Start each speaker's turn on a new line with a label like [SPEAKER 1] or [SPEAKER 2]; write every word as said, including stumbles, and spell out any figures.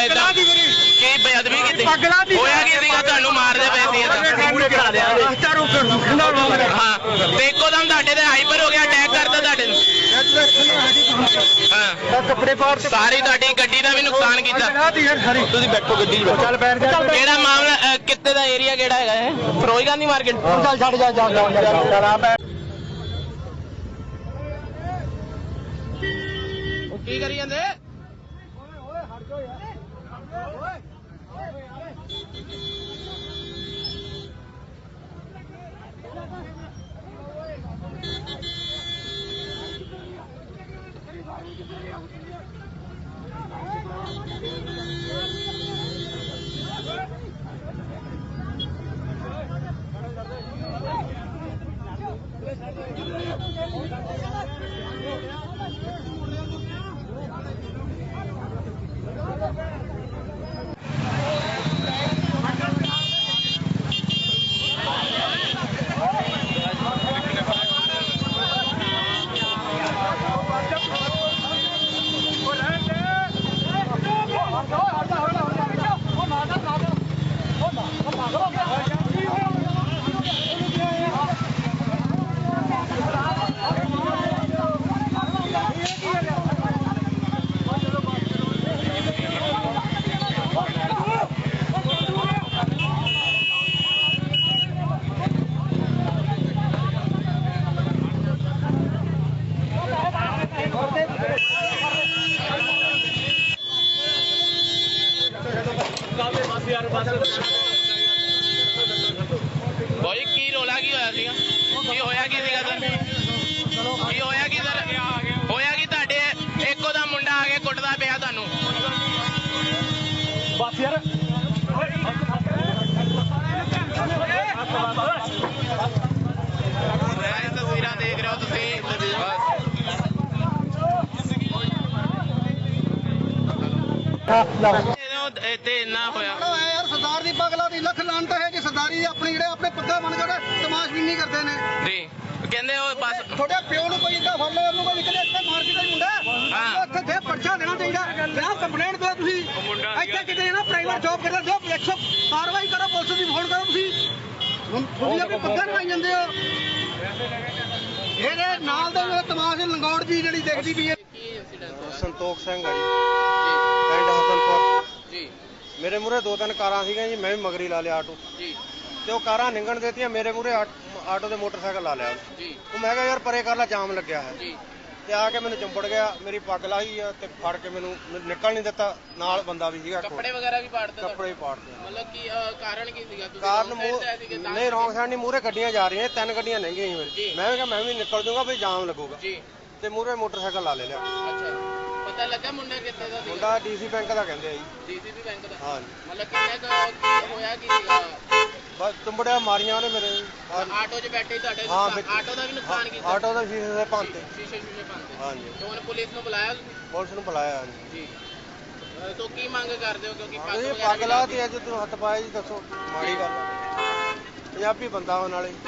[SPEAKER 1] ਇਦਾਂ ਕੀ ਬੇਅਦਬੀ ਕੀਤੀ ਹੋਇਆ ਕੀ ਸੀਗਾ ਤੁਹਾਨੂੰ ਮਾਰਦੇ ਪਏ ਸੀ ਹਾਂ ਤੇ ਇੱਕੋ ਦਮ ਤੁਹਾਡੇ ਤੇ ਹਾਈਪਰ ਹੋ ਗਿਆ ਅਟੈਕ ਕਰਦਾ ਤੁਹਾਡੇ ਨੂੰ ਹਾਂ ਕੱਪੜੇ ਪਾੜ ਸਾਰੀ ਤੁਹਾਡੀ ਗੱਡੀ ਦਾ ਵੀ ਨੁਕਸਾਨ ਕੀਤਾ ਤੁਸੀਂ ਬੈਠੋ ਗੱਡੀ ਚੱਲ ਬੈਠ ਜਾ ਕਿਹੜਾ ਮਾਮਲਾ ਕਿੱਥੇ ਦਾ ਏਰੀਆ ਕਿਹੜਾ ਹੈਗਾ ਇਹ ਫਿਰੋਜ਼ ਗਾਂਧੀ ਮਾਰਕੀਟ ਚੱਲ ਛੱਡ ਜਾ ਜਾ ਕੀ ਕਰੀ ਜਾਂਦੇ ਹਟ ਜਾਓ ਯਾਰ भाई की रोला की होया सीगा की होया की सीगा सर की होया की सर होया की तुहाडे इक्को दा मुंडा आ के कुटदा पिया तुहानू बस यार तस्वीरां देख रहे हो तुसीं ते इन्ना होया यार सरदार दी पगला दी लख लानत है कि सरदारी अपनी जेड़े अपने पग्गा बन के तमाशबीनी करते ने जी कहंदे ओ बस थोड़े प्यो नु कोई इदा फड़ ले ओनु कोई निकले इत्थे मार्केट दा मुंडा हां इत्थे दे पर्चा देना चाहिदा जनाब कंप्लेंट दो तुसी इत्थे किते ना प्राइवेट जॉब करदा जो एक सौ कार्रवाई करो पुलिस दी फोन करो तुसी तुसी अपनी पग्गा नवाई ਜਾਂਦੇ ਹੋ ਇਹਦੇ ਨਾਲ ਦੇ ਮੇਰੇ ਤਮਾਸ਼ ਲੰਗੌੜ ਜੀ ਜਿਹੜੀ ਦੇਖਦੀ ਪਈ ਹੈ ਸੰਤੋਖ ਸਿੰਘ ਆ ਜੀ ਪਿੰਡ ਹਸਨਪੁਰ ਜੀ ਮੇਰੇ ਮੂਰੇ ਦੋ ਤਿੰਨ ਕਾਰਾਂ ਸੀਗੀਆਂ ਜੀ ਮੈਂ ਵੀ ਮਗਰੀ ਲਾ ਲਿਆ ਆਟੋ ਜੀ ਤੇ ਉਹ ਕਾਰਾਂ ਨਿੰਗਣ ਦੇਤੀਆਂ ਮੇਰੇ ਮੂਰੇ ਆਟੋ ਦੇ ਮੋਟਰਸਾਈਕਲ ਲਾ ਲਿਆ ਜੀ ਉਹ ਮੈਂ ਕਿਹਾ ਯਾਰ ਪਰੇ ਕਰ ਲਾ ਜਾਮ ਲੱਗਿਆ ਹੈ ਜੀ ਤੇ ਆ ਕੇ ਮੈਨੂੰ ਚੰਬੜ ਗਿਆ ਮੇਰੀ ਪੱਗ ਲਾਹੀ ਆ ਤੇ ਫੜ ਕੇ ਮੈਨੂੰ ਨਿਕਲ ਨਹੀਂ ਦਿੱਤਾ ਨਾਲ ਬੰਦਾ ਵੀ ਸੀਗਾ ਕੱਪੜੇ ਵਗੈਰਾ ਵੀ ਪਾੜਦੇ ਕੱਪੜੇ ਵੀ ਪਾੜਦੇ ਮਤਲਬ ਕੀ ਕਾਰਨ ਕੀ ਸੀਗਾ ਤੁਸੀਂ ਕਾਰਨ ਨਹੀਂ ਰੌਂਗ ਸਾਈਡ ਨਹੀਂ ਮੂਰੇ ਗੱਡੀਆਂ ਜਾ ਰਹੀਆਂ ਤਿੰਨ ਗੱਡੀਆਂ ਲੰਘੀਆਂ ਸੀ ਮੇਰੀ ਮੈਂ ਕਿਹਾ ਮੈਂ ਵੀ ਨਿਕਲ ਜਾਊਂਗਾ ਵੀ ਜਾਮ ਲੱਗੂਗਾ ਜੀ ਤੇ ਮੂਰੇ ਮੋਟਰਸਾਈਕਲ ਲਾ ਲੈ ਲਿਆ ਅੱਛਾ ਪਤਾ ਲੱਗਾ ਮੁੰਡਾ ਕਿੱਥੇ ਦਾ ਸੀ ਮੁੰਡਾ ਡੀਸੀ ਬੈਂਕ ਦਾ ਕਹਿੰਦੇ ਆ ਜੀ ਡੀਸੀਬੀ ਬੈਂਕ ਦਾ ਹਾਂ ਮਤਲਬ ਕਿੰਨੇ ਕੁ ਹੋਇਆ ਕੀ ਸੀਗਾ ਬਸ ਚੰਬੜਿਆ ਮਾਰੀਆਂ ਉਹਨੇ ਮੇਰੇ ਆਟੋ 'ਚ ਬੈਠੇ ਤੁਹਾਡੇ ਆਟੋ ਦਾ ਵੀ ਨੁਕਸਾਨ ਕੀਤਾ ਆਟੋ ਦਾ ਸ਼ੀਸ਼ੇ ਦੇ ਭੰਨਤੇ ਸ਼ੀਸ਼ੇ ਸ਼ੀਸ਼ੇ ਭੰਨਤੇ ਹਾਂਜੀ ਤੇ ਉਹਨੇ ਪੁਲਿਸ ਨੂੰ ਬੁਲਾਇਆ ਪੁਲਿਸ ਨੂੰ ਬੁਲਾਇਆ ਜੀ ਤੋ ਕੀ ਮੰਗ ਕਰਦੇ ਹੋ ਕਿਉਂਕਿ ਪੱਗ ਵਗੈਰਾ ਪੱਗ ਲਾ ਤੇ ਅੱਜ ਤੂੰ ਹੱਥ ਪਾਇਆ ਜੀ ਦੱਸੋ ਮਾੜੀ ਗੱਲ ਪੰਜਾਬੀ ਬੰਦਾ ਉਹ ਨਾਲੇ